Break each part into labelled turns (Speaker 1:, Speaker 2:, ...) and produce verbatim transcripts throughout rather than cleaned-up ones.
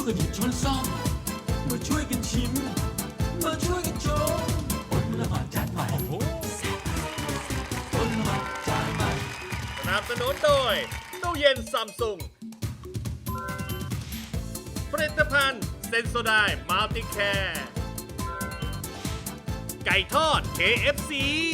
Speaker 1: กันหยิบช้อนซ่อมมาช่วยกันชิมมาช่วยกันชมอดละหมาดจานใหม่อดละหมาดจานใหม่
Speaker 2: สนับสนุนโดยตู้เย็นซัมซุงผลิตภัณฑ์เซนโซไดมัลติแคร์ไก่ทอด เค เอฟ ซี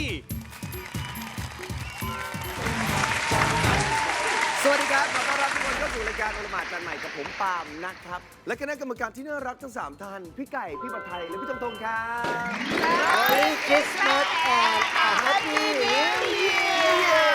Speaker 3: สวัสดีครับขอต้อนรับทุกคนเข้าสู่รายการอลหมาดจานใหม่กับผมปาล์มนะครับและคณะกรรมการที่น่ารักทั้งสามท่านพี่ไก่พี่ปัทไทยและพี่ตงตงครับ Merry Christmas and a Happy New Year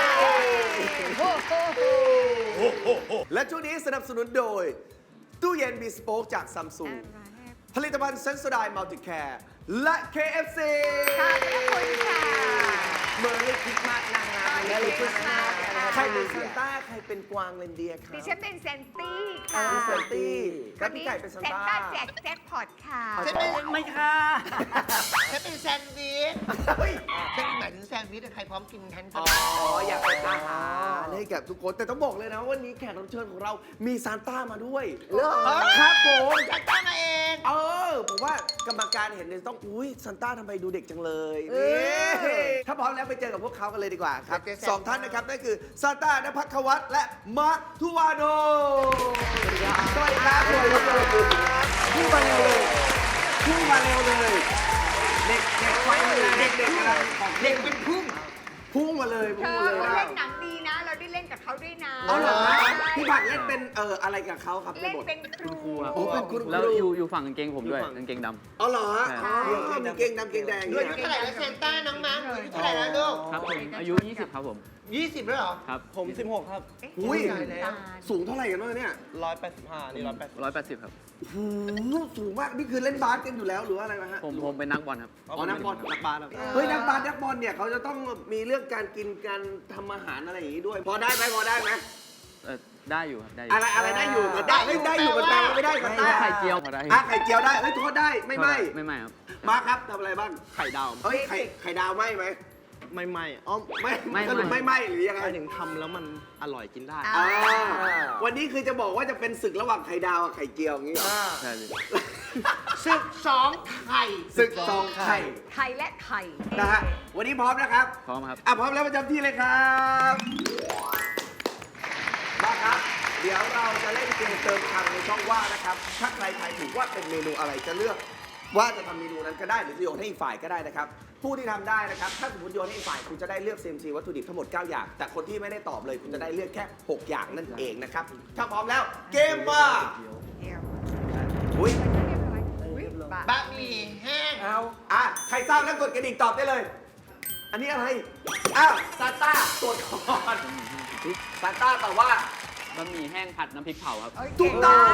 Speaker 3: และช่วงนี้สนับสนุนโดยตู้เย็นบีสโป๊กจากซัมซุงผลิตภัณฑ์เซนโซไดมัลติแคร์และ เค เอฟ ซี
Speaker 4: ขอบคุณค่ะ
Speaker 3: เมอร์รี่คริสต์มาสนางงามเมอร์รี่คริสต์มาสใครเป็นซานต้าใครเป็นกวางเรนเดียร์ครับ
Speaker 4: ดิฉันเป็นเซนตี้
Speaker 3: อ๋
Speaker 4: ค่ะ
Speaker 3: อเซนตี้แล้วพี่ไก่เป็นซาน
Speaker 4: เซน
Speaker 3: ต้า
Speaker 4: ต้าแจ็คแจ็คพอตค่ะ
Speaker 5: ฉันเป็นไม่ค่ะฉันเป็นแซนด์วิช
Speaker 3: เฮ้ย
Speaker 5: ฉันหมายถึงแซนด์วิชใครพร้อมกินฉัน
Speaker 3: อ๋ออยากเป็นอาหารให้กับทุกคนแต่ต้องบอกเลยนะว่าวันนี้แขกรับเชิญของเรามีซานต้ามาด้วยครับผม
Speaker 5: ฉันตั้งมาเอง
Speaker 3: เออผมว่ากรรมการเห็นเนี่ยต้องอุ้ยซานต้าทำไมดูเด็กจังเลยนี่ถ้าพร้อมแล้วไปเจอกับพวกเขากันเลยดีกว่าครับสองท่านนะครับนั่นคือซานต้านภัควัฒน์และมาร์คทุวาโนสวัสดีครับสวัสดีครับพุ่งมาเร็วเลยพุ่งมาเร็วเลยเด็กเด็กไฟเลยเด็กเด็กอะไรของ
Speaker 5: เด็กเป็นพุ่ง
Speaker 3: พุ่งมาเลย
Speaker 4: เธ
Speaker 3: พุ่ง
Speaker 4: อ
Speaker 3: มาเลย
Speaker 4: เขา
Speaker 3: นะ
Speaker 4: เล่นหนังดีนะ เราได้เล่นกับเขาด้วยนะ
Speaker 3: เอาเหรอ
Speaker 4: ใช่
Speaker 3: พี่ผักเล่นเป็นเอออะไรกับเขาครับใน
Speaker 4: เล่น
Speaker 3: บท
Speaker 4: เป็นครู
Speaker 3: โอ้เป็นคุณครู
Speaker 6: แล้วอยู่อยู่ฝั่งกางเกงผมด้วยกางเกงดำ
Speaker 3: อ๋อเหรอฮะ
Speaker 6: ใช่
Speaker 3: อ๋อมีเกงดำเกงแดง
Speaker 5: หน่วย
Speaker 3: เนี่ย
Speaker 5: เท่าไหร่แล้วเซนต้าน้องมาร์คหน่วยเท่าไหร่แล้วลูก
Speaker 6: ครับผมอายุ ยี่สิบ ครับผม
Speaker 5: ยี่สิบแล้วเหรอ
Speaker 6: ครับ
Speaker 7: ผม สิบหก ครับ
Speaker 3: อุ้ย
Speaker 5: ตายแล้ว
Speaker 3: สูงเท่าไหร่กันบ้างเนี่ย
Speaker 7: หนึ่งร้อยแปดสิบห้า นี่หนึ่งร้อยแปดสิบ
Speaker 6: ร้อยแปดสิบครับ
Speaker 3: โอ้โหสูงมากนี่คือเล่นบาสกันอยู่แล้วหรือว่าอะไรมาฮะ
Speaker 6: ผมผมเป็นนักบอลครับ
Speaker 3: อ๋อนักบอล
Speaker 7: นักบาสครับ
Speaker 3: เฮ้ยนักบาสนักบอลเนี่ยเขาจะต้องมีเรื่องการกินการทำอาหารอะไรอย่างนี้ด้วย พอได้ไหมพอได้ไหม
Speaker 6: เออได้อยู่ครับได้อยู่
Speaker 3: อะไรอะไรได้อยู่มันได้เฮ้ยได้อยู่มันแปลว่าไม่ได้กันได้
Speaker 6: ไข่เจียวพอได้
Speaker 3: อ่ะไข่เจียวได้เฮ้ยโทษได้ไม่ไหม
Speaker 6: ไม่ไหม่ครับ
Speaker 3: มาครับทำอะไรบ้าง
Speaker 7: ไข่ดาว
Speaker 3: เฮ้ยไข่ไข่ดาวไหมไหม
Speaker 7: ไม่ไหมอ๋อ
Speaker 3: ไม่
Speaker 6: ไม่
Speaker 3: สรุป
Speaker 6: ไม่
Speaker 3: ไม่ไหมหรือยัง
Speaker 7: ห
Speaker 3: ไง
Speaker 7: มายถึงทำแล้วมันอร่อยกินได้
Speaker 3: อ่าวันนี้คือจะบอกว่าจะเป็นศึกระหว่างไข่ดาวกับไข่เจียวอย่างนี้เหรอ
Speaker 6: ใช่พี่
Speaker 5: ศึกสองไข่
Speaker 3: ศึกสองไข่
Speaker 4: ไข่และไข่
Speaker 3: นะฮะวันนี้พร้อมนะครับ
Speaker 6: พร้อมครับ
Speaker 3: อ่ะพร้อมแล้วประจำที่เลยครับมาครับ เดี๋ยวเราจะเล่นเกมเติมคำในช่องว่างนะครับ ถ้าใครทายถูกว่าเป็นเมนูอะไรจะเลือก ว่าจะทำเมนูนั้นก็ได้หรือจะโยนให้อีกฝ่ายก็ได้นะครับ ผู้ที่ทำได้นะครับ ถ้าสมมติโยนให้อีกฝ่ายคุณจะได้เลือก ซี เอ็ม ซี วัตถุดิบทั้งหมด เก้า อย่าง แต่คนที่ไม่ได้ตอบเลยคุณจะได้เลือกแค่ หก อย่างนั่นเองนะครับ ถ้าพร้อมแล้วเกมมา
Speaker 4: เดี๋ยว
Speaker 3: อุ้ย
Speaker 4: อุ๊ยบะ
Speaker 5: บะหมี่แห้ง
Speaker 3: เอาอ่ะใครทราบแล้วกดกระดิ่งตอบได้เลย อันนี้อะไร อ้าวซานต้ากดก่อนซานต้าตอบว่า
Speaker 6: บะหมี่แห้งผัดน้ำพริกเผาครับ
Speaker 4: เอ้ย
Speaker 3: ถูกต้อง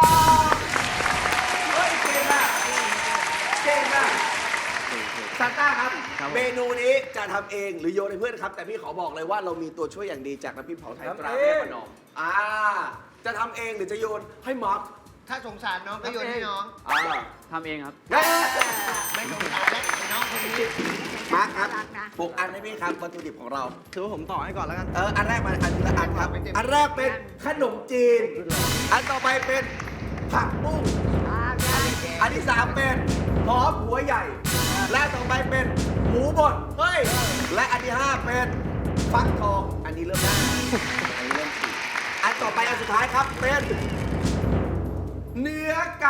Speaker 3: เฮ้ยเก่งมากเก่งมากซานต้าครับ
Speaker 6: ครับ
Speaker 3: เมนูนี้จะทำเองหรือโยนให้เพื่อนครับ แต่พี่ขอบอกเลยว่าเรามีตัวช่วยอย่างดีจากน้ำพริกเผาไทยตราแม่ประนอมอ่าจะทำเองหรือจะโยนให้มาร์ค
Speaker 5: ถ้าสงสารน้องก็โยนให้น้อง
Speaker 3: อ่า
Speaker 6: ทำเองครับ
Speaker 3: เฮ้ย
Speaker 5: ไม่สงสารแล้วไอ้น้องคนนี้
Speaker 3: มาร์คครับหกอันให้พี่ครับวัตถุดิบของเรา
Speaker 7: ถือว่าผมต่อให้ก่อนแล้วกัน
Speaker 3: เออ อันแรกมาอันทีละอันครับ อันแรกเป็นขนมจีน อันต่อไปเป็นผักบุ้ง
Speaker 4: อ่าได้
Speaker 3: อันที่สามเป็นหอมหัวใหญ่ และต่อไปเป็นหมูบด เฮ้ย และอันที่ห้าเป็นฟักทอง อันนี้เริ่มได้อันนี้เริ่มสี่อันต่อไปอันสุดท้ายครับเป็น เนื้อไก่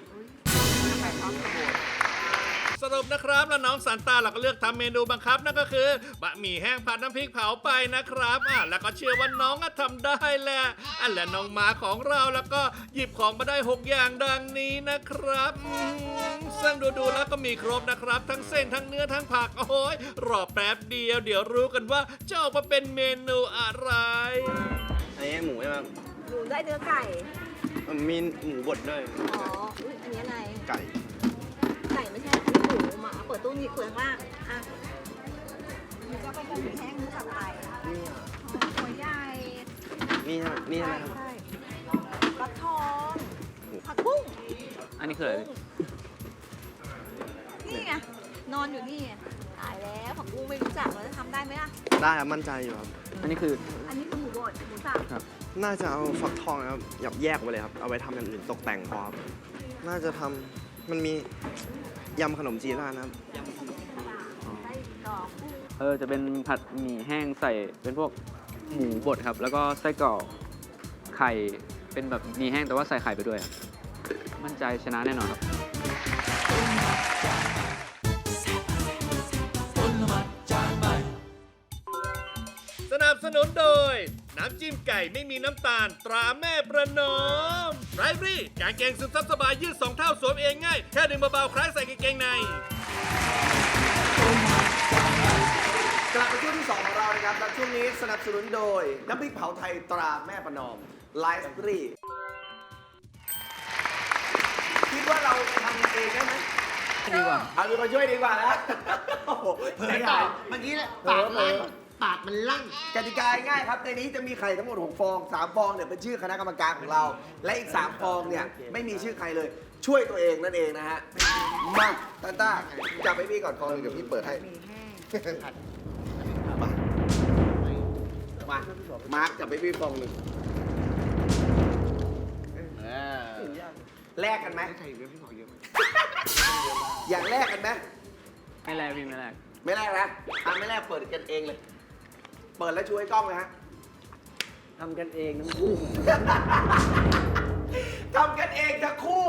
Speaker 2: สรุปนะครับแล้วน้องซานต้าเราก็เลือกทำเมนูบังคับนั่นก็คือบะหมี่แห้งผัดน้ำพริกเผาไปนะครับอ่ะแล้วก็เชื่อว่าน้องอะทำได้แหละอันและน้องมาของเราแล้วก็หยิบของมาได้หกอย่างดังนี้นะครับอืมซึ่งดูๆแล้วก็มีครบนะครับ ทั้งเส้นทั้งเนื้อทั้งผักโอ้ยรอแป๊บเดียวเดี๋ยวรู้กันว่าจะออกมาเป็นเมนูอะไร
Speaker 7: อันนี้หมูใช่ไหม
Speaker 8: หนูได้เนื้อไก่
Speaker 7: มันมีหมูบดด้วย
Speaker 8: อ๋ออุ๊ยอันนี้อะไร
Speaker 7: ไก่
Speaker 8: ไก่ไม่ใช่อันนี้หมูหมา เปิดตู้มีเปลือกมากอ่ะมันจะเป็นหมูแห้งหมูสับไก่
Speaker 7: นี่
Speaker 8: หัวใหญ่
Speaker 7: นี่ใช่ไหมนี่ใช่
Speaker 8: ใช่
Speaker 7: ไหมครับ
Speaker 8: ใช่ฟักทองผักบุ้ง
Speaker 6: อันนี้คืออะไรพี่
Speaker 8: นี่ไง นอนอยู่นี่ไงตายแล้วผักบุ้งไม่รู้จักเราจะทำได้ไหมล่ะ
Speaker 7: ได้ครับ มั่นใจอยู่ครับ
Speaker 6: อันนี้คือ
Speaker 8: อันนี้คือหมูบดหมูสับ
Speaker 6: ครับ
Speaker 7: น่าจะเอาฟักทองนะครับหยับแยกไปเลยครับ เอาไว้ทำอย่างอื่นตกแต่งพอครับ น่าจะทำมันมียำขนมจีนร้านนะครับ
Speaker 8: ไส้กรอกกุ้ง
Speaker 6: เออจะเป็นผัดหมี่แห้งใส่เป็นพวกหมูบดครับ แล้วก็ไส้กรอกไข่เป็นแบบหมี่แห้งแต่ว่าใส่ไข่ไปด้วยครับมั่นใจชนะแน่นอนครับ
Speaker 2: สนับสนุนโดย น้ำจิ้มไก่ไม่มีน้ำตาลตราแม่ประนอมไรฟรี่กางเกงซึมซับสบายยืดสองเท่าสวมเองง่าย แค่ดึงเบาๆคล้ายใส่กางเกงใน
Speaker 3: กลับมาช่วงที่สองของเรานะครับและช่วงนี้สนับสนุนโดย น้ำพริกเผาไทยตราแม่ประนอมไลฟ์รีคิดว่าเราทำเองได้ไหม
Speaker 6: ดีกว่า
Speaker 3: เอาดูมาช่วยดีกว่านะโอ้โห
Speaker 5: เผยต่อเมื่อกี้เนี่ยปากลั่นปากมันลั่น
Speaker 3: กติกาง่ายครับในนี้จะมีไข่ทั้งหมดหกฟองสามฟองเนี่ยเป็นชื่อคณะกรรมการของเรา และอีกสามฟองเนี่ยไม่มีชื่อใครเลย ช่วยตัวเองนั่นเองนะฮะมาตาต้าจับให้พี่ก่อนฟองหนึงเดี๋ยวพี่เปิดให้
Speaker 4: มีแห้ง
Speaker 3: มามามาร์คจับให้พี่ฟองหนึ่งแลกกันไหมอยากแลกกันไหม
Speaker 6: ไม่แรกพี่ไม่แรก
Speaker 3: ไม่แลกนะอ่ะไม่แลกเปิดกันเองเลย เปิดแล้วช่วยกล้องเลยฮะทำกันเองทั้งคู่ทำกันเองทั้งคู่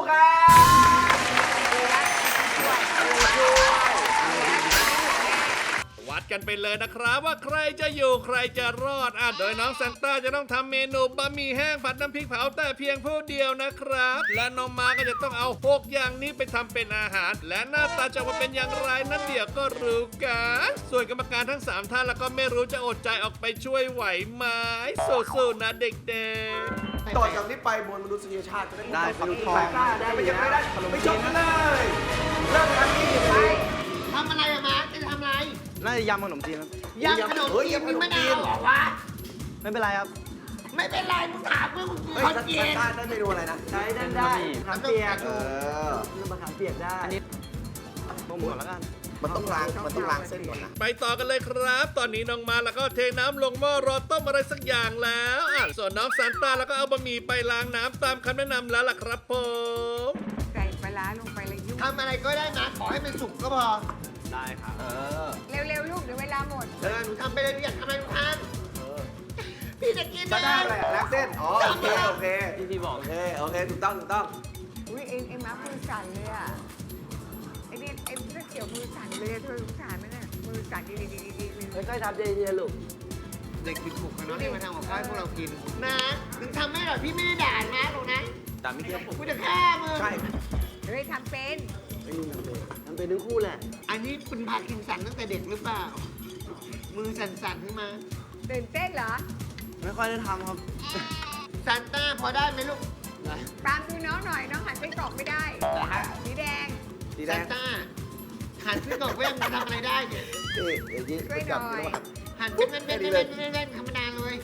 Speaker 3: ครับ
Speaker 2: วัดกันไปเลยนะครับว่าใครจะอยู่ใครจะรอดอ่ะโดยน้องซันต้าจะต้องทำเมนูบะหมี่แห้งผัดน้ำพริกเผาแต่เพียงผู้เดียวนะครับ และน้องมาก็จะต้องเอาหกอย่างนี้ไปทำเป็นอาหาร และหน้าตาจะออกมาเป็นอย่างไรนั้นเดี๋ยวก็รู้กันส่วนกรรมการทั้งสามท่านแล้วก็ไม่รู้จะอดใจออกไปช่วยไหวไหมสู้ๆนะเด็กๆ
Speaker 3: ต่อจากนี้ไปมวลมนุษยชาติจะได้
Speaker 7: ได้ไปดูทอง
Speaker 3: ได้ไปยังไม่ได้ไปชมกันเลย เริ่มกันที่ไป
Speaker 5: ทำอะไรอะมาร์คจะทำอะไร
Speaker 7: น่าจะยำขนมจีนครับ
Speaker 5: ยำขนมจีนมึงไม่เอาเหรอวะ
Speaker 7: ไม่เป็นไรครับ
Speaker 5: ไม่เป็นไรมึงถามเพื่อนมึง
Speaker 3: เฮ้ย
Speaker 5: คน
Speaker 3: ท่าน
Speaker 5: จีน
Speaker 3: ท่านได้เมนูอะไรนะ
Speaker 6: ใช้ได้ทำเปียก
Speaker 3: เออ
Speaker 6: มะขามเปียกได้อันนี้
Speaker 7: ต้มก่อนแล้วกัน
Speaker 3: มันต้องล้างมันต้องล้างเส้นก่อนนะ
Speaker 2: ไปต่อกันเลยครับ ตอนนี้น้องมาแล้วก็เทน้ำลงหม้อรอต้มอะไรสักอย่างแล้วอ่ะส่วนน้องซานต้าแล้วก็เอาบะหมี่ไปล้างน้ำตามคำแนะนำแล้วล่ะครับผม
Speaker 4: ใส่ปลาร้าลงไปเลยยุ่ง
Speaker 5: ทำอะไรก็ได้นะขอให้มันสุกก็พอ
Speaker 7: ได้ครับ
Speaker 3: เออ
Speaker 4: เร็วๆลูกเดี๋ยวเวลาหมด
Speaker 5: เออหนูทำไปเลยพี่อยากทำอะไรหนูทำพี่จะกิน
Speaker 3: จะ
Speaker 5: นะ
Speaker 3: ได้อะไรล้างเส้น อ๋อ โอเค โอเค
Speaker 6: ที่พี่บอก
Speaker 3: โอเค โอเค ถูกต้อง ถูกต้อง
Speaker 4: อุ้ยเอ็งเอ็งมามือสั่นเลยอ่ะไอ้นี่ไอ้เสื้อเขียวมือสั่นเลยอะเธอสงสารไหมเนี่ยมือสั่นดีดีดีดีดี
Speaker 6: ค่อยๆทำใจเย็นๆลูก
Speaker 5: เด็กผิดถูกกันเนาะที่มาทำกับข้าวให้พวกเรากินนะถึงทำไม่หรอกพี่ไม่ได้ด่านะหรอกนะ
Speaker 3: ตามไม่เทียบ
Speaker 5: กูจะฆ่ามึง
Speaker 3: ใช่
Speaker 4: เฮ้ยทำเป็น
Speaker 6: ทำเป็นทั้งคู่แหละ
Speaker 5: อันนี้คุณพากินสันตั้งแต่เด็กหรือเปล่า มือสั่นๆขึ้นมา
Speaker 4: ตื่นเต้นเหรอ
Speaker 7: ไม่ค่อยได้ทำครับ
Speaker 5: ซานต้าพอได้ไหมลูก
Speaker 4: ตามดูน้องหน่อยน้องหันไปกรอกไม่ได้สีแดง
Speaker 3: ดีแด
Speaker 5: ซาง นต้าหันขึ้นบอกว่ามันทำอะไรได้เนี่ย
Speaker 3: นี่เดี๋ยวยิ้
Speaker 4: ช่วยหน่อย
Speaker 5: หันเป็นเป็นเป็นเป็นเป็นเป็นธรรมดาเลย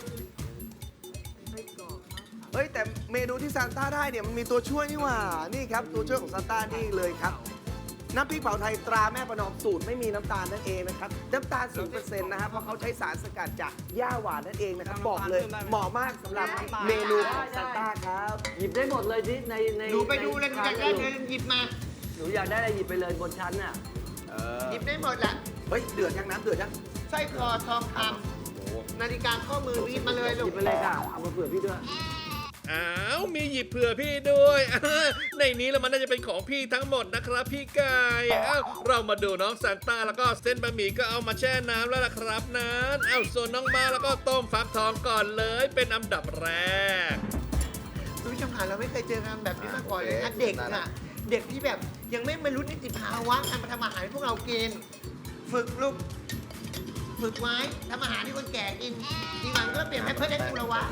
Speaker 3: เฮ้ย แต่เมนูที่ซานต้าได้เนี่ย มันมีตัวช่วยนี่หว่า นี่ครับ ตัวช่วยของซานต้านี่เลยครับ น้ำพริกเผาไทยตราแม่ประนอมสูตรไม่มีน้ำตาลนั่นเองนะครับ น้ำตาล ศูนย์เปอร์เซ็นต์ นะครับเพราะเขาใช้สารสกัดจากหญ้าหวานนั่นเองนะครับ บอกเลยเหมาะมากสำหรับเมนูของซานต้าครับ
Speaker 6: หยิบได้หมดเลยที่ในใน
Speaker 5: หนูไปดูเลยหนูอยากได้เลยหยิบมา
Speaker 6: หนูอยากได้อะไรหยิบไปเลยบนชั้นน่ะ
Speaker 3: เออ
Speaker 5: หยิบได้หมดแหละ
Speaker 3: เฮ้ย เดือดยังน้ำเดือดยัง
Speaker 5: สร้อยคอทองคำนาฬิกาข้อมือรีบมาเลย
Speaker 6: ห
Speaker 5: ลู
Speaker 6: ยิ
Speaker 5: ก
Speaker 6: บไปเลยค่ะเอามาเผื่อพี่ด้วย
Speaker 2: อ้าว มีหยิบเผื่อพี่ด้วย อ่าในนี้แล้วมันน่าจะเป็นของพี่ทั้งหมดนะครับพี่กายเอ้าเรามาดูน้องซานต้าแล้วก็เส้นบะหมี่ก็เอามาแช่น้ำแล้วล่ะครับนั้นเอ้าส่วนน้องมาแล้วก็ต้มฟักทองก่อนเลยเป็นอันดับแรก
Speaker 5: คุณผู้ชมค่ะเราไม่เคยเจอกันแบบนี้มาก่อนเลยนะเด็กอะเด็กที่แบบยังไม่บรรลุนิติภาวะการมาทำอาหารให้พวกเรากิน ฝึกลูก ฝึกไว้ทำอาหารที่คนแก่กินทีหลังก็เปลี่ยนให้เพื่อนได้กูละวะ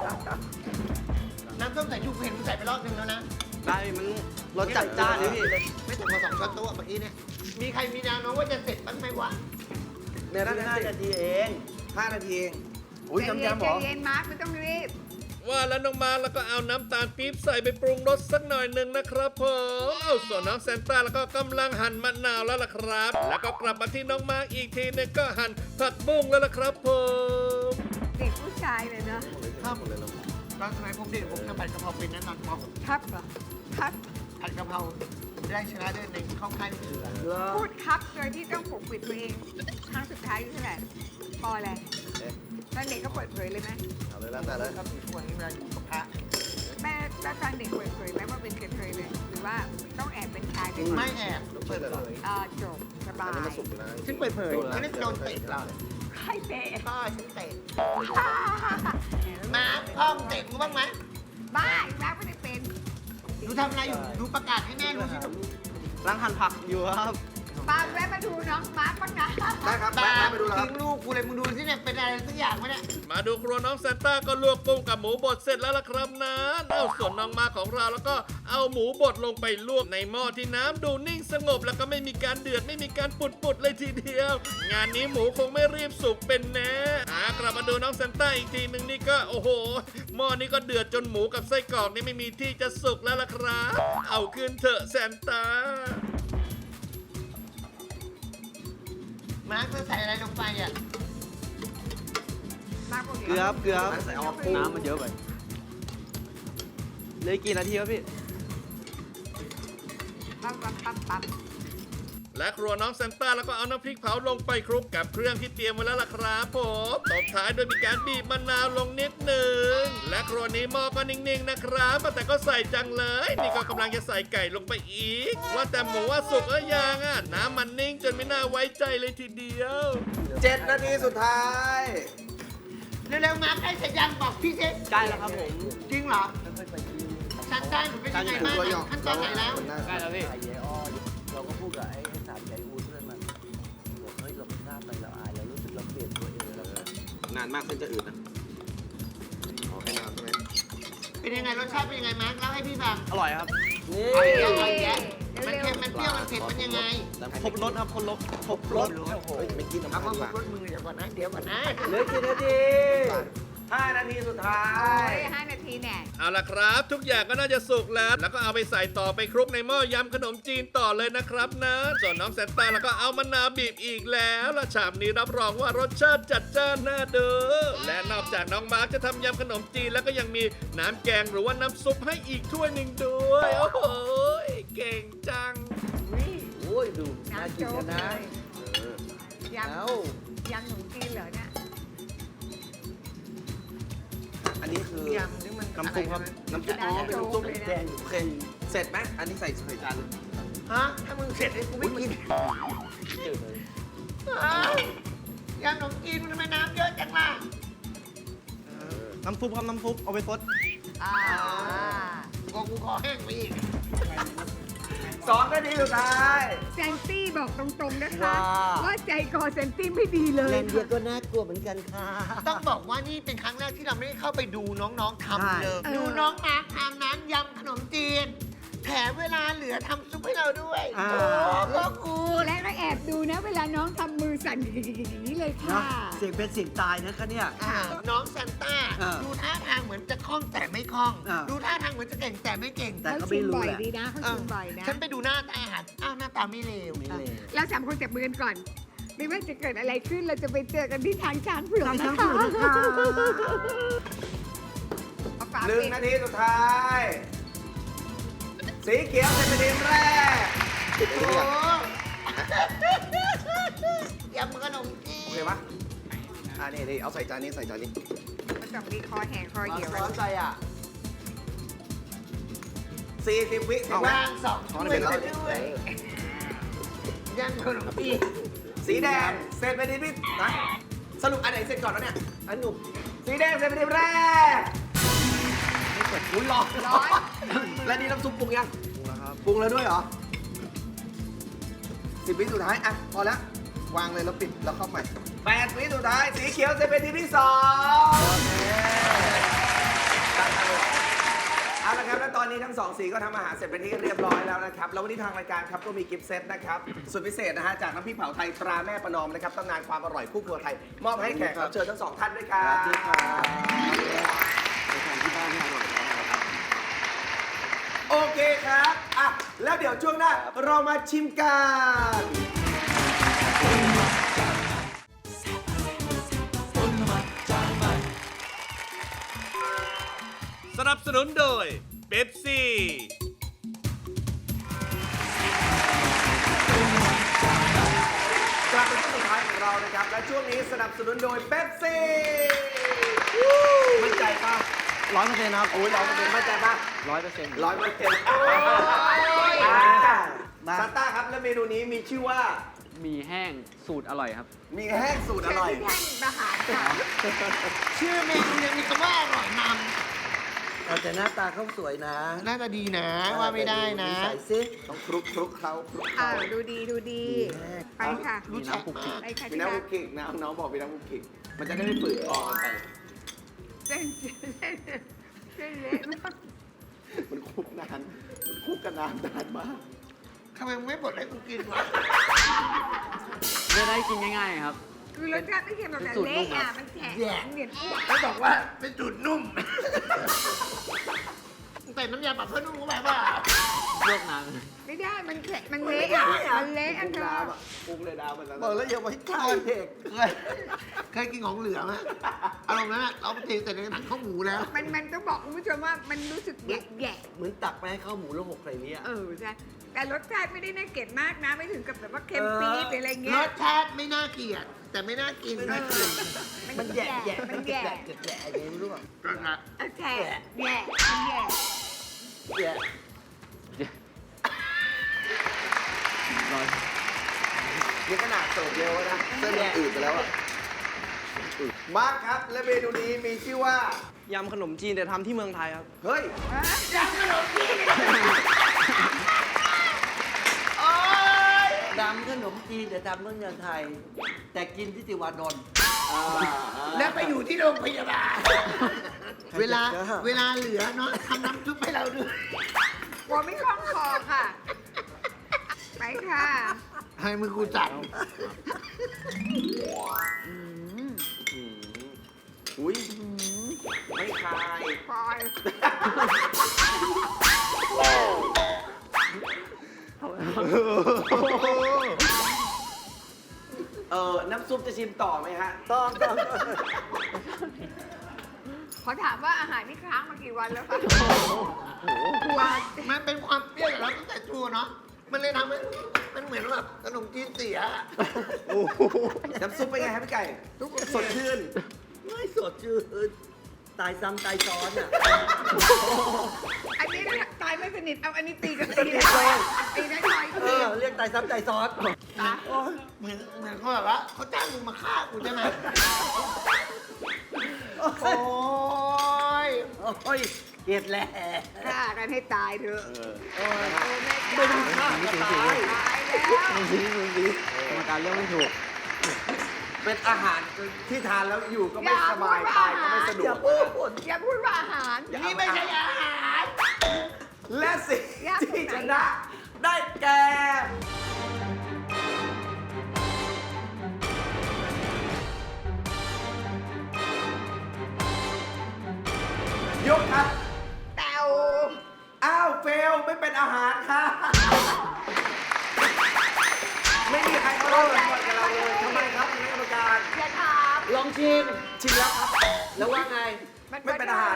Speaker 5: น้ำส้มสายชูเห็นมึงใส่ไปรอบนึงแล้วนะ
Speaker 7: ได้มันรสจัดจ้านเลยพี่
Speaker 5: ไม่ถึงกว่าสองช้อนโต๊ะเมื่อกี้เนี่ย มีใครมีแนวโน้มว่าจะเสร็จบ้างไหมวะ
Speaker 3: เนี่ยน่าจะ
Speaker 6: ห้า
Speaker 3: เสร็
Speaker 6: นา
Speaker 3: จ
Speaker 6: ทีเอง
Speaker 3: ห้านาทีเอง อุ้ย
Speaker 4: ใจ
Speaker 3: จำ
Speaker 4: เย็น
Speaker 3: จำเห
Speaker 4: ใจ
Speaker 3: รอ
Speaker 4: เย็นมาร์คไม่ต้องรีบ
Speaker 2: ว่าแล้วน้องมาแล้วก็เอาน้ำตาลปี๊บใส่ไปปรุงรสสักหน่อยหนึ่งนะครับผมเอาส่วนน้องแซนต้าแล้วก็กำลังหั่นมะนาวแล้วล่ะครับ แล้วก็กลับมาที่น้องมาร์คอีกทีหนึงก็หั่นผักบุ้งแล้วล่ะครับผม
Speaker 4: ติดผู้ชายเลยเนอะ
Speaker 5: ครับตอนสมัยผมเด็กผมทำผัดกะเพราเป็นนั่นนอนบอก
Speaker 4: ครับเหรอครับ
Speaker 5: ผัดกะเพราได้ชนะเลิศในเข้าค่ายลูกเสือ
Speaker 4: พูดครับโดยที่ต้องปกปิดตัวเองครั้งสุดท้ายอายู่เท่าไหร่ปออะไรตอนเด็กก็เปิดเผยเลยไหม
Speaker 7: เอาเลยแล้วแต่เลย
Speaker 5: ครับส่วนนี้เวลาอยู่กับพระ
Speaker 4: แม่แม่ตอนเด็กเปิดเผยไหมว่าเป็นกระเทยเลย หรือว่าต้องแอบเป็นชายเป็น
Speaker 5: ไม่แอบเปิดเผย
Speaker 4: เออจบสบาย
Speaker 5: ฉันเปิดเผยฉันโดนเตะเรา
Speaker 4: ใครเตะ
Speaker 5: พ่อฉันเตะมาพ่อมึงเตะกูบ้างไหม
Speaker 4: บ้าอีกแล้วไม่ได้เป็น
Speaker 5: หนูทำอะไรอยู่หนูประกาศให้แม่รู้สิหนู
Speaker 7: ล้างหั่นผักอยู่ครับ
Speaker 4: บ้าแวะมาดูน้องมาร์คบ้างนะ
Speaker 3: ได้ครับ
Speaker 5: ตา
Speaker 3: แม่ไปดูแล้วครั
Speaker 5: ทิ้
Speaker 3: บ
Speaker 5: งลูกกูเลยมึงดูสิเนี่ยเป็นอะไรสักอย่างไหมเนี่ย
Speaker 2: มาดูครัวน้องซานต้าก็ลวกกุ้งกับหมูบดเสร็จแล้วล่ะครับนะเอาส่วนน้องมาของเราแล้วก็เอาหมูบดลงไปลวกในหม้อที่น้ำดูนิ่งสงบแล้วก็ไม่มีการเดือดไม่มีการปุดปุดๆเลยทีเดียว งานนี้หมูคงไม่รีบสุกเป็นแน่อ่ากลับมาดูน้องซานต้าอีกทีหนึ่งนี่ก็โอ้โหหม้อนี้ก็เดือดจนหมูกับไส้กรอกนี่ไม่มีที่จะสุกแล้วล่ะครับ เอาขึ้นเถอะซานต้า
Speaker 5: มาร์คเธอใส่อะไรลงไปอ่ะ
Speaker 4: มาร์คบอก
Speaker 7: เกลือครับเกลือครับ
Speaker 3: ใส่ออก
Speaker 6: น้ำมันเยอะไป
Speaker 7: เหลยกี่นาทีครับพี่
Speaker 4: ปั๊บปั๊บปั๊บปั๊บ
Speaker 2: และครัวน้องซานต้าแล้วก็เอาน้ำพริกเผาลงไปคลุกกับเครื่องที่เตรียมไว้แล้วล่ะครับผมตบท้ายด้วยมีการบีบมะนาวลงนิดหนึ่งและครัวนี้หม้อก็นิ่งๆนะครับแต่ก็ใส่จังเลย นี่ก็กำลังจะใส่ไก่ลงไปอีก ว่าแต่หมูว่าสุกเอ้ยยังอ่ะน้ำมันนิ่งจนไม่น่าไว้ใจเลยทีเดียว
Speaker 3: เจ็ดนาทีสุดท้าย
Speaker 5: เร็วๆมาร์คใกล้เสร็จยังบอกพี่สิ
Speaker 7: ใกล้แล้วครับผม
Speaker 5: จริงเหรอฉันได้หนูเป็นยังไงบ้างอะขั้นตอนไหนแล้ว
Speaker 6: ใกล้แล้วพี่
Speaker 9: เราก็พูดกับไอ้ไอ้สามใจอูเพื่อนมันบอกเฮ้ยเราหน้าไปเราอายเรารู้สึกเราเปลี่ยนตัวเองแล้ว
Speaker 7: นานมากเส้นจะอืดนะโอเคนานใช่ไหม
Speaker 5: เป็นยังไงรสชาติเป็นยังไงมาร์คเล่าให้พี่ฟัง
Speaker 7: อร่อยครับ
Speaker 9: นี่
Speaker 5: เอาอีกแล้วเอาอีกแล้วมันเค็มมันเปรี้ยวมันเผ็ดมันยังไง
Speaker 7: ครบรสครับคนรสครบรส
Speaker 3: เฮ้ยไม่กิน
Speaker 5: เอา
Speaker 3: น้ำ
Speaker 5: มา
Speaker 3: มัน
Speaker 5: บุกรถมือเดี๋ยวก่อนนะเดี๋ยวก่อนนะ
Speaker 9: เหลือกี่นาที
Speaker 3: ห้านาทีสุดท้า
Speaker 4: โอ้
Speaker 3: ย
Speaker 4: ยห้านาทีแน่
Speaker 2: เอาล่ะครับ ทุกอย่างก็น่าจะสุกแล้ว แล้วก็เอาไปใส่ต่อไปคลุกในหม้อยำขนมจีนต่อเลยนะครับนะส่วนน้องแซนต้าแล้วก็เอามะนาวบีบอีกแล้วและชามนี้รับรองว่ารสชาติจัดจ้านน่าดูและนอกจากน้องมาร์คจะทำยำขนมจีนแล้วก็ยังมีน้ำแกงหรือว่าน้ำซุปให้อีกถ้วยหนึ่งด้วยโอ้โหเก่งจัง
Speaker 9: โอ้ยดูน่า
Speaker 4: น้ำ
Speaker 9: กิน
Speaker 4: โจ๊
Speaker 9: กั
Speaker 4: ก
Speaker 9: นนะ
Speaker 4: เลยย
Speaker 9: เอ้า
Speaker 4: ำยำหนูจีนเหรอเนี่ย
Speaker 3: อันนี้คือย
Speaker 5: ำนี่มัน
Speaker 7: น้ำซุปครับ
Speaker 3: น้ำซุปอ๋อเป็นน้ำซุปแดงโอเคเสร็จไหมอันนี้ใส่ใส่จานเลย
Speaker 5: ฮะถ้ามึงเสร็จเลยกูไม่กิน
Speaker 9: จืดเลย
Speaker 5: อ้าวยำขนมจีนมันทำไมน้ำเยอะจังล่ะ
Speaker 7: น้ำซุปครับน้ำซุปเอาไปซด
Speaker 4: อ่า
Speaker 5: กูกูคอแห้งไปอีก
Speaker 3: สองนาทีสุดท้าย
Speaker 4: แซนตี้บอกตรงๆนะคะ
Speaker 9: ว่า
Speaker 4: ว่าใจคอแซนตี้ไม่ดีเลย
Speaker 9: แรงเดียวก็น่ากลัวเหมือนกันค่ะ
Speaker 5: ต้องบอกว่านี่เป็นครั้งแรกที่เราไม่ได้เข้าไปดูน้องๆทำเลย
Speaker 4: ใช่
Speaker 5: ดูน้องมาร์คทำนั้นยำขนมจีน แถมเวลาเหลือทำซุปให้เราด้วย
Speaker 9: อ่า
Speaker 5: โอ้ก็กู
Speaker 4: และก็แอบดูนะ เวลาน้องทำมือสั่นอย่างนี้เลย
Speaker 9: นะ
Speaker 4: ค่ะ
Speaker 9: เสียงเป็นเสียงตายนะคะเนี่ย
Speaker 5: อ่าน้องซันต้า
Speaker 9: อ่า
Speaker 5: ดูท่าทางเหมือนจะคล่องแต่ไม่คล่อง
Speaker 9: อ่า
Speaker 5: ดูท่าทางเหมือนจะเก่งแต่ไม่เก่ง
Speaker 9: แต่
Speaker 4: เขา
Speaker 9: ก็
Speaker 4: ชิ
Speaker 9: ไม่
Speaker 4: ม
Speaker 9: รู้
Speaker 4: บ่อย
Speaker 9: แหละ
Speaker 4: ดีนะเขาชิมบ่อยนะ
Speaker 5: ฉันไปดูหน้าตาอาหารอ้าวหน้าตาไม่เลว
Speaker 9: ไม่เลย
Speaker 4: เราสามคนจับมือกันก่อน ไม่ว่าจะเกิดอะไรขึ้นเราจะไปเจอกันที่ทางช้างเผือก
Speaker 9: ทาง
Speaker 4: นะ
Speaker 9: ช้าง
Speaker 4: คะ
Speaker 9: เผือกนะคะ
Speaker 4: เอาฝา
Speaker 3: หนึ่ง
Speaker 4: ปิด
Speaker 3: นาทีสุดท้าย สีเขียวเป็นประเด็นแรก
Speaker 5: โอ้โหยำขนมจี
Speaker 3: โอน เคปะอ่านี่นี่เอาใส่จานนี้ใส่จานนี้
Speaker 4: มันต้องมีคอแห้งคอเหี่ยว
Speaker 9: ร้อนใจอ่ะ
Speaker 3: สี่สิบวิถึงไหม
Speaker 5: วางสองถ้วยซะด้วยยำขนมจีน
Speaker 3: สีแดงเสร็จเป็นทีพี่นะสรุปอันไหนเสร็จก่อนแล้วเนี่ย
Speaker 9: อันหนุก
Speaker 3: สีแดงเสร็จเป็นทีแรกอุ้ยร้อน
Speaker 4: ร้อน
Speaker 3: แล้วนี่น้ำซุปปรุงยังปรุงแล้วด้วยเหรอสิบวิสุดท้ายอ่ะพอแล้ววางเลยแล้วปิดแล้วเข้าใหม่แปดวิสุดท้ายสีเขียวเสร็จเป็นทีที่สองเอาละครับแล้วตอนนี้ทั้งสองสีก็ทำอาหารเสร็จเป็นที่เรียบร้อยแล้วนะครับแล้ววันนี้ทางรายการครับก็มีกิฟต์เซตนะครับสุดพิเศษนะฮะจากน้ำพริกเผาไทยตราแม่ประนอมนะครับตำนานความอร่อยคู่ครัวไทยมอบให้แขกรับเชิญทั้งสองท่านด้วยครับ โอเคครับ อ่ะ แล้วเดี๋ยวช่วงหน้าเรามาชิมกัน
Speaker 2: นับสนุนโดยเป๊ปซี่
Speaker 3: กลับมาช่วงสุดท้ายของเรานะครับ และช่วงนี้สนับสนุนโดยเป๊ปซี่มั่นใจป่ะ
Speaker 7: ร้อยเปอร์เซ็นต์ครับ
Speaker 3: โอ้ยร้อยเปอร์เซ็นต์มั่นใจป่ะ
Speaker 6: ร้อยเปอร์เซ็นต์
Speaker 3: ร้อยเปอร์เซ็นต์ซานต้าครับและเมนูนี้มีชื่อว่า
Speaker 6: มีแห้งสูตรอร่อยครับ
Speaker 3: มีแห้งสูตรอร่อย
Speaker 4: ที่แท่งประหารค่ะ
Speaker 5: ชื่อเมนูยังมีคำว่าอร่อยน
Speaker 9: เอาแต่หน้าตาเขาสวยนะ
Speaker 5: ำน่าจะดีนะว่าไม่ได้นะ
Speaker 9: ใส่ซิ
Speaker 3: ต้องคลุกคลุกเคล้าคลุกเค
Speaker 4: อ่า
Speaker 3: ล้า
Speaker 4: ดูดีดูดี ไปค่ะ
Speaker 6: มีน้ำปุกปิก
Speaker 4: ไปค่ะ
Speaker 3: มี
Speaker 4: ที่
Speaker 3: น้ำ
Speaker 4: รั
Speaker 3: คุ
Speaker 4: ก
Speaker 3: กกิ้งน้ำน้องบอกมีน้ำคุกกิ้งมันจะได้ไม่ฝืดคอกันไป
Speaker 4: เส้นเส้นเส้นเส้นเละมาก
Speaker 3: มันคลุกนานมันคลุกกันนานนานมาก
Speaker 5: ทำไมมึงไม่บดให้กูกินวะ
Speaker 6: จะได้กินง่ายๆครับ
Speaker 4: คือรสชาติไม่เค็มหรอกแต่
Speaker 6: เป็นสูตรนุ่
Speaker 4: เละ
Speaker 6: มครั
Speaker 4: อ่ะ
Speaker 6: บ
Speaker 4: มันแฉะเหนียนอ้วก
Speaker 5: แล้วบอกว่าเป็นสูตรนุ่มใส่น้ำยาปรับผ้านุ่มเข้าไปป่ะ
Speaker 6: ลวกน้
Speaker 4: ไม่ได้ มันแฉะมันเละอ่ะ มันเละ
Speaker 3: ค
Speaker 4: อั
Speaker 3: ลุ
Speaker 4: น
Speaker 3: ก
Speaker 4: เธอ
Speaker 3: น้ำอ่ะคลุกเลยน้ำมันแล้ว
Speaker 9: บอกแล้วอย่าไว้ท่าเด็ก
Speaker 5: เคยเคยกินของเหลืองอะอารมณ์นั้นอะเราไปเทใส่ในหนังข้าวหมูแล้ว
Speaker 4: มันมันต้องบอกคุณผู้ชมว่ามันรู้สึกแย่แย่
Speaker 9: เหมือนตักไปให้ข้าวหมูแล้วหกใส่เนี้ย
Speaker 4: เออใช่แต่รสชาติไม่ได้น่าเกลียดมากนะ ไม่ถึงกับแบบว่าเค็มปี๊ดหรืออะไร
Speaker 5: ร
Speaker 4: เงี้ย
Speaker 5: สชาติไม่น่าเกลียด แต่ไม่น่ากิน
Speaker 9: ไม่น่ากิน มันแย่แย่
Speaker 4: มั
Speaker 9: มัน น
Speaker 4: แย่
Speaker 9: แย่แย่อย่างนี้ไม่รู้ป่ะ
Speaker 4: เออแฉะแย่มันแย่
Speaker 9: แย่
Speaker 6: ำร้อย
Speaker 3: นี่ขนาดเสิร์ฟเร็วนะเส้นมันอืดไปแล้วอ่ะอืดมาร์คครับและเมนูนี้มีชื่อว่า
Speaker 7: ยำขนมจีนแต่ทำที่เมืองไทยครับ
Speaker 3: เฮ้ย
Speaker 9: ดำขนมจีนแต่ทำเมืองไทย แต่กินที่ติวานนท์
Speaker 5: แล้วไปอยู่ที่โรงพยาบาล เวลาเวลาเหลือเนาะทำน้ำซุปให้เราด้วย
Speaker 4: กลัวไม่คล่องคอค่ะ ไปค่ะ
Speaker 5: ให้มือกูจัด
Speaker 3: อุ้ยไม่คาย
Speaker 4: พลอย
Speaker 3: เออน้ำซุปจะชิมต่อไหมฮะต้องต้อง
Speaker 4: ขอถามว่าอาหารนี่ค้างมากี่วันแล้วคะกลัว
Speaker 5: มันเป็นความเปรี้ยวของเราตั้งแต่ตัวเนาะ มันเลยทำให้มันเหมือนแบบขนมจีนเสีย
Speaker 3: น้ำซุปเป็นไงครับพี่ไก่สดชื่น
Speaker 9: ไม่สดชื่นตายซ้ำตายซ้อนอ่ะ
Speaker 4: อันนี้นะตายไม่สนิท เอาอันนี้ตีกันตีได้ลอยตีได้ลอย
Speaker 9: เออเรียกตายซ้ำตายซ้อน
Speaker 4: ตา
Speaker 5: เหมือนเหมือนเขาแบบว่าเขาจ้างมึงมาฆ่ากูใช่ไหมโอ้ย
Speaker 9: โอ้ยเกลียดแหละ
Speaker 4: ฆ่ากันให้ตายเถอะ
Speaker 9: โอ้ย
Speaker 4: โอ้แม่
Speaker 9: ไม่
Speaker 4: จ๋า
Speaker 9: ต้องฆ่าก็ตาย
Speaker 4: ตายแล้ว
Speaker 6: มึงดีมึงดีกรรมการเลือกไม่ถูก
Speaker 3: เป็นอาหารที่ทานแล้วอยู่ก็ไม่สบายตายก็ไม่สะด
Speaker 9: อ
Speaker 3: ว
Speaker 9: ย่าก พูด
Speaker 4: อย่าพูดว่าอาหาร
Speaker 5: นี่ไม่ใช่อาหาร
Speaker 3: และสิ่ง
Speaker 4: ยากตรงไหน
Speaker 3: ที่ชนะได้แก่ยกครับ
Speaker 4: แตว
Speaker 3: อ้าวเฟลไม่เป็นอาหารค่ะไม่มีใครเข้ารอบก่อนกับเราเลยทำไมครับคณะกรรมการ
Speaker 4: อย่าถาม
Speaker 9: ลองชิม
Speaker 3: ชิมแล้วครับ
Speaker 9: แล้วว่าไง
Speaker 3: ไม่เป็นอาหาร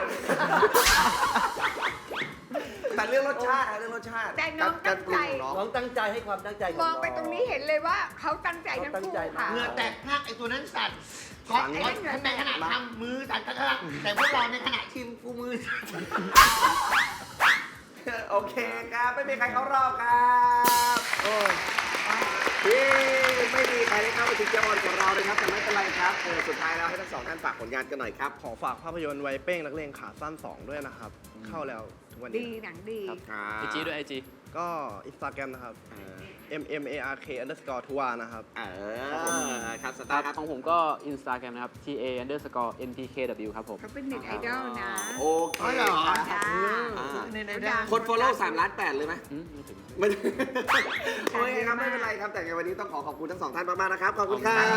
Speaker 3: แต่เรื่องรสชาติอะเรื่องรสชาติ
Speaker 4: แต่น้อง
Speaker 3: กา
Speaker 4: ตั้
Speaker 3: รง ปรุ
Speaker 4: ใจ
Speaker 3: งของน้อง
Speaker 9: น้องตั้งใจให้ความตั้งใจข
Speaker 4: ม
Speaker 9: น้
Speaker 4: องไปตรงนี้เห็นเลยว่าเขาตั้งใจทั้ง
Speaker 9: เขาตั้ง
Speaker 4: คู่
Speaker 9: ใจมาก
Speaker 4: ค่ะ
Speaker 5: เหงื่อแตกพากไอตัวนั้นสั่นเพราะ
Speaker 4: ไอ้นั่นเหงื่อแต
Speaker 5: ใน
Speaker 4: ก
Speaker 5: ขณะทำมือสั่นกระทะแต่พวกเราในขณะชิมกูมือสั่น
Speaker 3: โอเคครับ ไม่มีใครเข้ารอบครับโอ้ยที่ไม่มีใครได้เข้าไปถึงเจ้าบอลของเราเลยครับ แต่ไม่เป็นไรครับเออสุดท้ายแล้วให้ทั้งสองท่านฝากผลงานกันหน่อยครับ
Speaker 7: ขอฝากภาพยนตร์ไวเป้งนักเลงขาสั้นสองด้วยนะครับ เข้าแล้วทุกวัน
Speaker 4: ดี
Speaker 7: นี้
Speaker 4: หนังดี
Speaker 6: ไอจีด้วยไอจี
Speaker 7: ก็อินสตาแกรมนะครับ m m a r k underscore ทัวร์นะครับ
Speaker 3: เออครับส
Speaker 6: ค
Speaker 3: ตา
Speaker 6: รับ
Speaker 3: ร์ครับ
Speaker 6: ของผมก็ Instagram นะครับ t a underscore n p k w ครับผม
Speaker 4: เขาเป็นเน็ตไอดอลนะ
Speaker 3: โอเค
Speaker 5: อ๋อเหรอ
Speaker 3: ครับ
Speaker 4: จ้า
Speaker 3: อ่า
Speaker 5: ในใน
Speaker 4: ดัง
Speaker 3: คนฟอลโล่สามล้านแปดเลยไหม
Speaker 6: อืมไม่ถึง
Speaker 3: ไม่ โอเคครับไม่เป็นไรครับ แต่ในวันนี้ต้องขอขอบคุณทั้งสองท่านมากๆนะครับ ขอบคุณครับ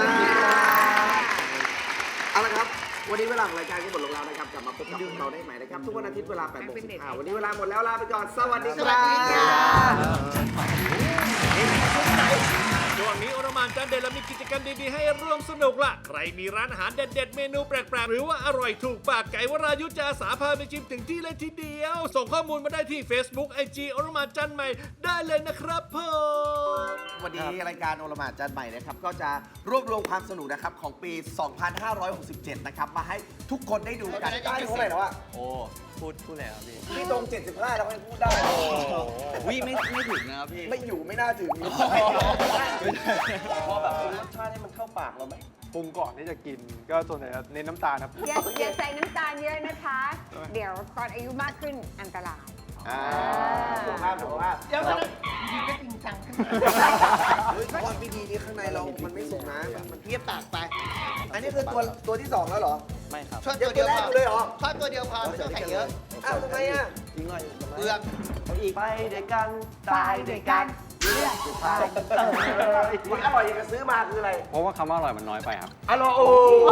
Speaker 3: เอาละครับ วันนี้เวลาของรายการก็หมดลงแล้วนะครับ กลับมาพบกับพวกเราได้ใหม่นะครับ ทุกวันอาทิตย์เวลาแปดโมงสิบห้าวันนี้เวลาหมดแล้วลาไปก่อน สวัสดีครับ
Speaker 2: ช่วงนี้โอรหม่านจานเด็ดเรามีกิจกรรมดีๆให้ร่วมสนุกล่ะใครมีร้านอาหารเด็ดๆเมนูแปลกๆหรือว่าอร่อยถูกปากไก่วรายุทธจะอาสาพาไปชิมถึงที่เลยทีเดียว ส่งข้อมูลมาได้ที่ Facebook ไอ จี โอรหม่านจานใหม่ได้เลยนะครับผม
Speaker 3: วันนี้รายการโอละหมาดจานใหม่นะครับก็จะรวบรวมความสนุกนะครับของปี สองพันห้าร้อยหกสิบเจ็ด นะครับมาให้ทุกคนได้ดูกันได้เท่าไหร่แล้วอะ
Speaker 7: โอ้พูดพูดแล้วพี่
Speaker 3: พี่ตรง เจ็ดสิบห้า แล้วก็ยังพูดได้
Speaker 7: วิไม่ไม่ถึงนะครับพี่
Speaker 3: ไม่อยู่ไม่น่าถึง
Speaker 9: พอแบบรสชาติให้มันเข้าปากเราไหม
Speaker 10: ปรุงก่อนที่จะกินก็ส่วนใหญ่เน้นน้ำตาลครับ
Speaker 4: อย่าอย่าใส่น้ำตาลเยอะนะคะ เดี๋ยวตอนอายุมากขึ้นอันตราย
Speaker 3: อ่าสุขภาพสุขภาพ
Speaker 5: เดี๋ยวมันก็จริงจังขึ้นมา
Speaker 3: เฮ้ยทอดไม่ดีนี่ข้างในเรามันไม่สุกนะ
Speaker 5: มันเทียบปากไป
Speaker 3: อันนี้คือตัวตัวที่สองแล้วเหรอ
Speaker 7: ไม่ครับ
Speaker 5: ทอดตัวเดียวพอ
Speaker 3: เลยเหรอ
Speaker 5: ทอดตัวเดียวพอไม่ต้องใส่เยอะ
Speaker 3: อ้าวทำไมอ่ะ
Speaker 7: ทิ้งหน่อย
Speaker 5: เปลือง
Speaker 3: เอาอีก
Speaker 9: ไปด้วยกัน
Speaker 4: ตายด้วยกันเลือด
Speaker 3: ตายมันอร่อยอย่างกับซื้อมาคืออะไร
Speaker 10: เพราะว่าคำว่าอร่อยมันน้อยไปครับ
Speaker 3: อร่อยโอ้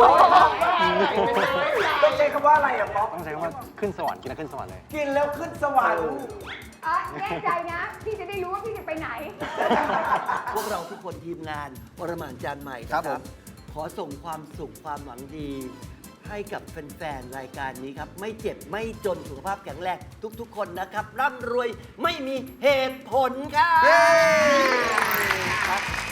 Speaker 3: ต้องใช้คำว่าอะไรอ่ะป๊อป
Speaker 10: ต้องใช้คำว่าขึ้นสวรรค์กินแล้วขึ้นสวรรค์เลย
Speaker 3: กินแล้วขึ้นสวรรค์
Speaker 4: อ่ะแน่ใจนะ พี่จะได้รู้ว่าพี่จะไปไหน
Speaker 9: พวกเราทุกคนทีมงานวรหมานจานใหม่นะ
Speaker 3: ค
Speaker 9: ค
Speaker 3: รั
Speaker 9: รั
Speaker 3: บบ ผม
Speaker 9: ขอส่งความสุขความหวังดี ให้กับแฟนๆ รายการนี้ครับ ไม่เจ็บไม่จนสุขภาพแข็งแรงทุกๆ คนนะครับ ร่ำรวยไม่มีเหตุผลครับ
Speaker 3: ครับ